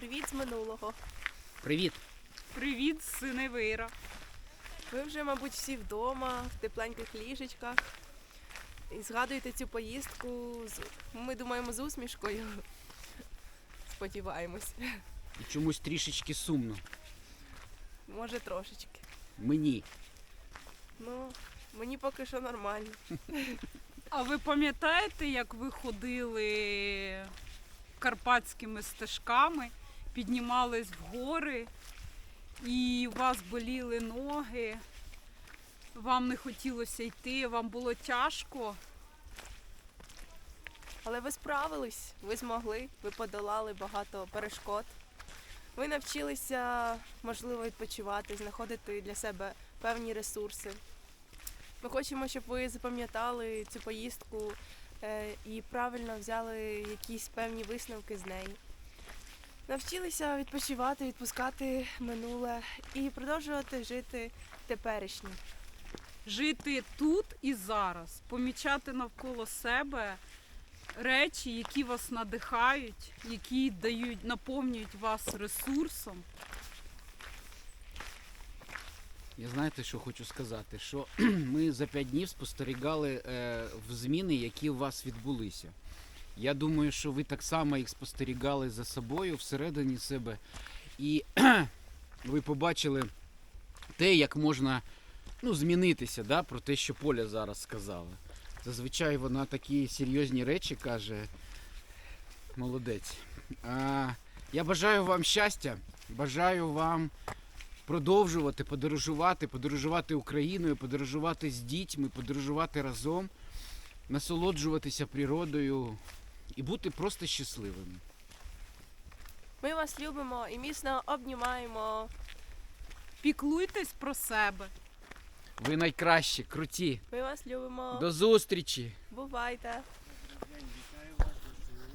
Привіт з минулого. Привіт! Привіт з Синевира. Ви вже, мабуть, всі вдома, в тепленьких ліжечках. І згадуєте цю поїздку, ми думаємо, з усмішкою. Сподіваємось. І чомусь трішечки сумно. Може, трошечки. Мені. Ну, мені поки що нормально. А ви пам'ятаєте, як ви ходили карпатськими стежками, піднімались в гори, і у вас боліли ноги, вам не хотілося йти, вам було тяжко? Але ви справились, ви змогли, ви подолали багато перешкод. Ви навчилися, можливо, відпочивати, знаходити для себе певні ресурси. Ми хочемо, щоб ви запам'ятали цю поїздку і правильно взяли якісь певні висновки з неї. Навчилися відпочивати, відпускати минуле і продовжувати жити теперішнім. Жити тут і зараз, помічати навколо себе речі, які вас надихають, які наповнюють вас ресурсом. Я знаєте, що хочу сказати? Що ми за 5 днів спостерігали в зміни, які у вас відбулися. Я думаю, що ви так само їх спостерігали за собою всередині себе. І ви побачили те, як можна змінитися, да, про те, що Поля зараз сказала. Зазвичай вона такі серйозні речі каже. Молодець. Я бажаю вам щастя, бажаю вам продовжувати подорожувати Україною, подорожувати з дітьми, подорожувати разом, насолоджуватися природою і бути просто щасливими. Ми вас любимо і міцно обнімаємо. Піклуйтесь про себе. Ви найкращі, круті. Ми вас любимо. До зустрічі! Бувайте.